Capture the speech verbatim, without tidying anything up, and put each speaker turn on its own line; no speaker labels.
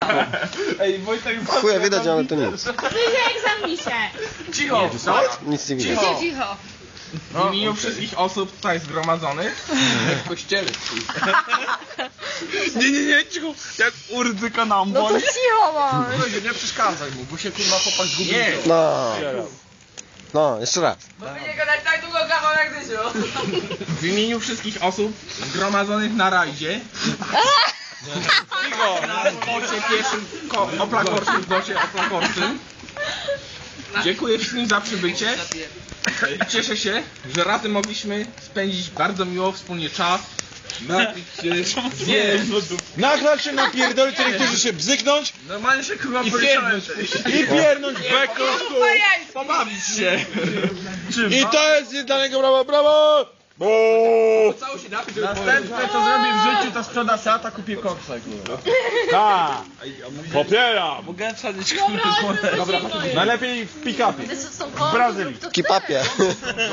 Ej, Wojtek,
Chuja widać, ale to nic.
Egzamisie.
cicho!
Nic nie widać.
Cicho, cicho.
W imieniu wszystkich osób tutaj zgromadzonych w kościele. Nie, nie, nie, cicho! Jak urdy kanambon.
No to cicho bądź.
Nie przeszkadzaj mu, bo się kurwa chłopak zgubił. Nie!
No. No, jeszcze raz.
W imieniu wszystkich osób zgromadzonych na rajdzie. Cicho! Na bocie pierwszym, ko- oplakorczym, bocie oplakorczym. Dziękuję wszystkim za przybycie. I cieszę się, że razem mogliśmy spędzić bardzo miło wspólnie czas. Napić się, zjeść.
Nachlać się, napierdolić, to niektórzy się bzyknąć
Normalnie się kurwa
i
policzyłem.
piernąć, i piernąć beko.
Pobawić się.
I to jest dla niego brawo, brawo! Bo!
Następne co zrobię w życiu to sprzeda Seata, kupię koksa.
Tak! Popieram!
Mogę wsadzić
Dobra,
Dobra,
Najlepiej w pick-upie.
to są
W Brazylii.
Kipapie.